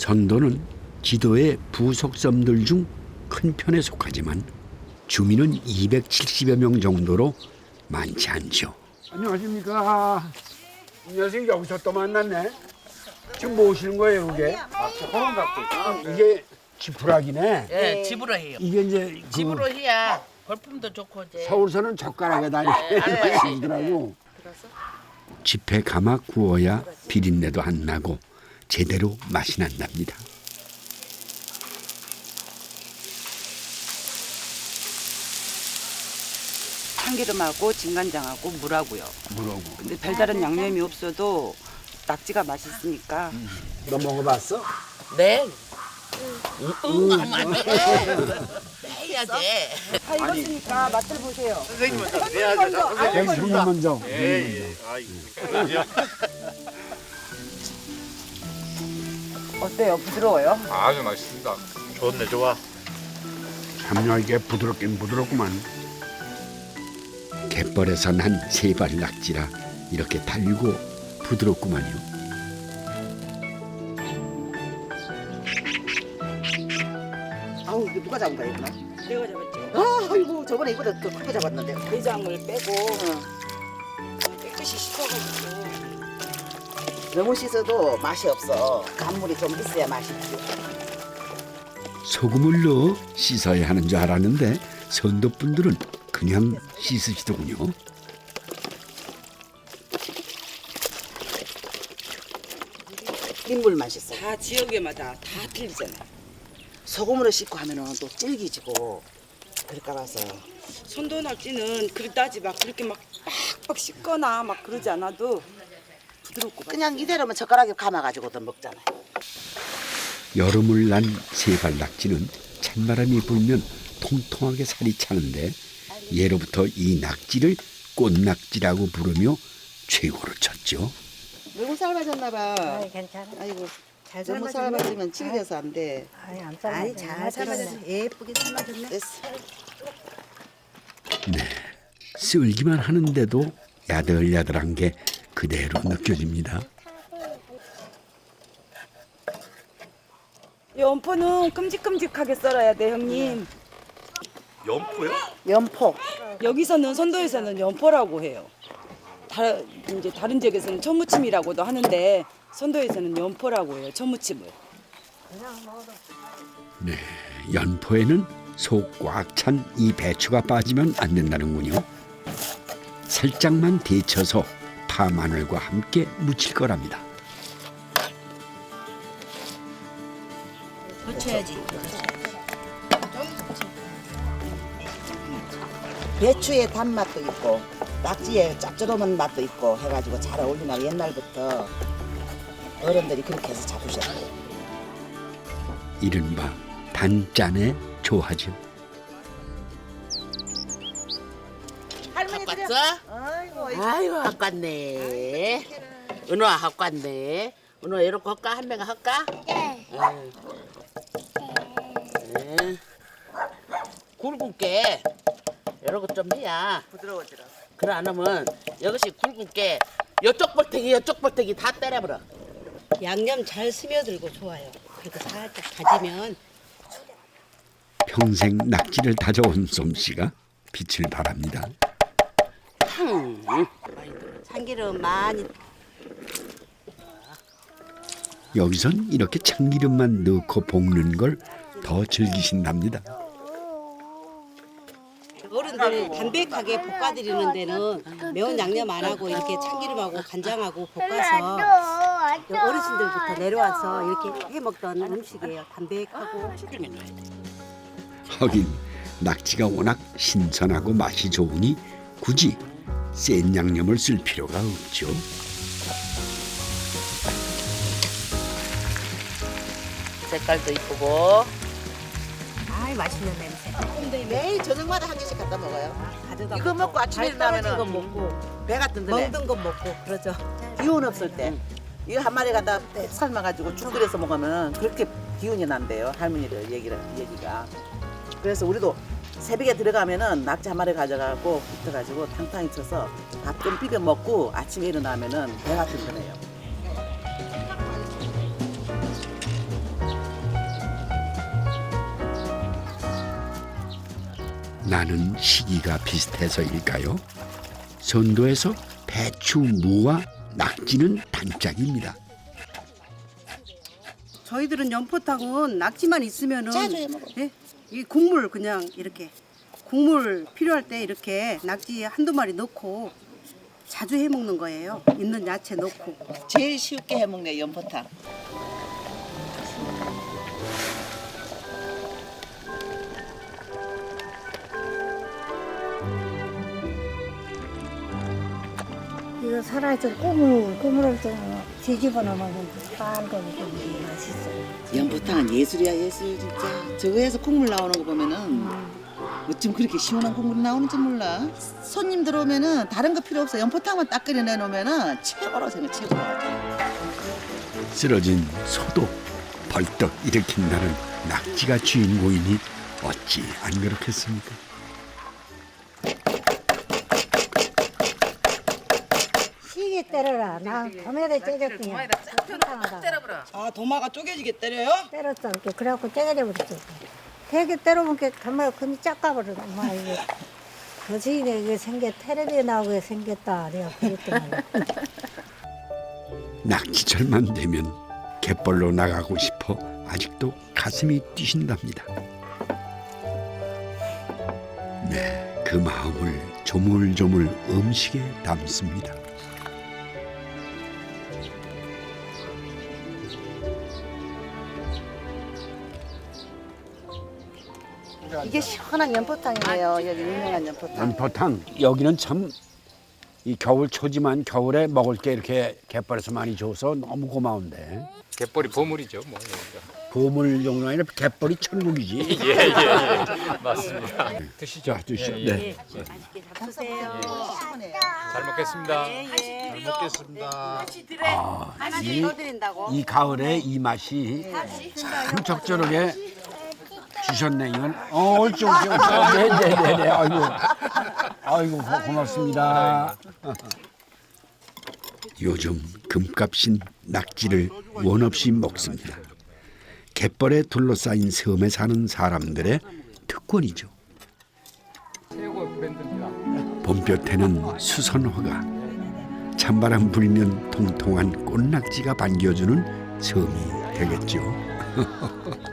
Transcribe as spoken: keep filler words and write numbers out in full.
선도는 지도의 부속섬들 중 큰 편에 속하지만 주민은 이백칠십여 명 정도로 많지 않죠. 안녕하십니까. 안녕하세요. 여기서 또 만났네. 지금 뭐 오시는 거예요, 이게? 아, 이게 지푸라기네. 예, 집으로 해요. 이게 이제 그 집으로 해야 벌품도 좋고 이제. 서울서는 젓가락에다 네, 이렇게 쓰더라고. 집에 감아 구워야 비린내도 안 나고 제대로 맛이 난답니다. 참기름하고 진간장하고 물하고요. 물하고. 근데 별다른 양념이 없어도 낙지가 맛있으니까. 너 먹어봤어? 네. 응, 응, 응. 해야 돼. 다 익었으니까 맛을 보세요. 여기 손님 먼저. 어때요? 부드러워요? 아주 맛있습니다. 좋네, 좋아. 참여 이게 부드럽긴 부드럽구만. 갯벌에서 난 세발 낙지라 이렇게 달고 부드럽구만요. 아우 이거 누가 잡은 거야 이거? 내가 잡았죠. 아 아이고 저번에 이거보다 더 크게 잡았는데. 내장을 빼고 깨끗이 씻어가지고. 너무 씻어도 맛이 없어. 간물이 좀 있어야 맛있지. 소금을 넣어 씻어야 하는 줄 알았는데 선도분들은 그냥 씻으시더군요. 흰물 맛있어. 다 지역에마다 다 틀리잖아요. 소금으로 씻고 하면은 또 질기지고 그럴까 봐서. 손도 낙지는 그릇다지 막 그렇게 막 빡빡 씻거나 막 그러지 않아도 부드럽고 그냥 이대로면 젓가락에 감아가지고도 먹잖아. 여름을 난 세발 낙지는 찬바람이 불면 통통하게 살이 차는데 예로부터 이 낙지를 꽃낙지라고 부르며 최고로 쳤죠. 너무 삶아졌나 봐. 아이 괜찮아. 아이고 잘 너무 삶아졌네. 삶아지면 질겨서 안 돼. 아이 안 삶아졌네. 아이, 잘 삶아졌네. 예쁘게 삶아졌네. 됐어. 네, 쓸기만 하는데도 야들야들한 게 그대로 느껴집니다. 연포는 큼직큼직하게 썰어야 돼, 형님. 연포요? 연포. 여기서는 선도에서는 연포라고 해요. 다, 이제 다른 지역에서는 천무침이라고도 하는데 선도에서는 연포라고 해요. 천무침을. 네, 연포에는 속 꽉 찬 이 배추가 빠지면 안 된다는군요. 살짝만 데쳐서 파 마늘과 함께 무칠 거랍니다. 거쳐야지. 배추의 단맛도 있고 낙지의 짭조름한 맛도 있고 해가지고 잘 어울리나 옛날부터 어른들이 그렇게 해서 잡으셨어요. 이른바 단짠의 조화죠. 갖고 왔어? 아이고, 갖고 왔네. 은호아 갖고 왔네. 은호아 이렇게 할까? 한 명가 할까? 네. 네. 굵은 게 이렇게 좀 해야 부드러워지라. 그래 안 하면 이것이 굵은 게 이쪽 볼태기 이쪽 볼태기 다 때려버려. 양념 잘 스며들고 좋아요. 그리고 살짝 다지면 평생 낙지를 다져온 솜씨가 빛을 발합니다. 음. 참기름 많이 여기선 이렇게 참기름만 넣고 볶는 걸 더 즐기신답니다. 어른들이 담백하게 볶아드리는 데는 매운 양념 안 하고 이렇게 참기름하고 간장하고 볶아서 어르신들부터 내려와서 이렇게 해 먹던 음식이에요. 담백하고. 하긴 낙지가 워낙 신선하고 맛이 좋으니 굳이 센 양념을 쓸 필요가 없죠. 색깔도 이쁘고. 아이 맛있는 냄새. 매일 저녁마다 한 개씩 갖다 먹어요. 가져다 이거 먹고 아침에 일어나면은 거 먹고 배가 든든해. 먹는 거 먹고 그러죠. 기운 없을 때 이거 한 마리 갖다 삶아가지고 죽 끓여서 먹으면 그렇게 기운이 난대요. 할머니들 얘기를 얘기가. 그래서 우리도 새벽에 들어가면은 낙지 한 마리 가져가고 붙어가지고 탕탕이 쳐서 밥 좀 비벼 먹고 아침에 일어나면은 배가 든든해요. 나는 시기가 비슷해서일까요? 선도에서 배추, 무와 낙지는 단짝입니다. 저희들은 연포탕은 낙지만 있으면은 자주 해 먹어. 예? 이 국물 그냥 이렇게 국물 필요할 때 이렇게 낙지 한두 마리 넣고 자주 해 먹는 거예요. 있는 야채 넣고. 제일 쉽게 해먹네 연포탕. 이거 살아있을 꾸물 꾸물을 좀 뒤집어 놓으면 빨갛고 좀 맛있어요. 연포탕은 예술이야 예술 진짜. 저거에서 국물 나오는 거 보면은 어쩜 그렇게 시원한 국물이 나오는지 몰라. 손님 들어오면은 다른 거 필요 없어. 연포탕만 딱 끓여 내놓으면은 최고로 생각 최고로. 쓰러진 소도 벌떡 일으킨다는 낙지가 주인공이니 어찌 안 그렇겠습니까? 시계 때려라. 나 도매대 째졌더니 때려버려. 아 도마가 쪼개지게 때려요? 때렸어 이렇게. 그래갖고 째려 버렸어. 되게 때려보니까 정말 금이 짝가버려. 엄마 이게 거시기가 이게 생겨 텔레비에 나오게 생겼다. 내가 그랬더니. 낙지철만 되면 갯벌로 나가고 싶어 아직도 가슴이 뛰신답니다. 네, 그 마음을 조물조물 음식에 담습니다. 이게 시원한 연포탕이에요. 여기 유명한 연포탕. 연포탕 여기는 참 이 겨울 초지만 겨울에 먹을 게 이렇게 갯벌에서 많이 줘서 너무 고마운데 갯벌이 보물이죠, 뭐. 여기가. 보물 정도 아니라 갯벌이 천국이지. 예, 예, 예. 맞습니다. 드시죠. 자, 드시죠. 예, 예. 네. 맛있게 잡수세요. 잘 먹겠습니다. 예, 예. 잘 먹겠습니다. 하나씩 더 드린다고. 이 가을에 이 맛이 참 적절하게 주셨네. 이건 어, 옳죠, 옳죠. 네, 네, 네, 네. 아이고, 아이고 고- 고맙습니다. 요즘 금값인 낙지를 원 없이 먹습니다. 갯벌에 둘러싸인 섬에 사는 사람들의 특권이죠. 최고 브랜드입니다. 봄볕에는 수선화가, 찬바람 불면 통통한 꽃낙지가 반겨주는 섬이 되겠죠.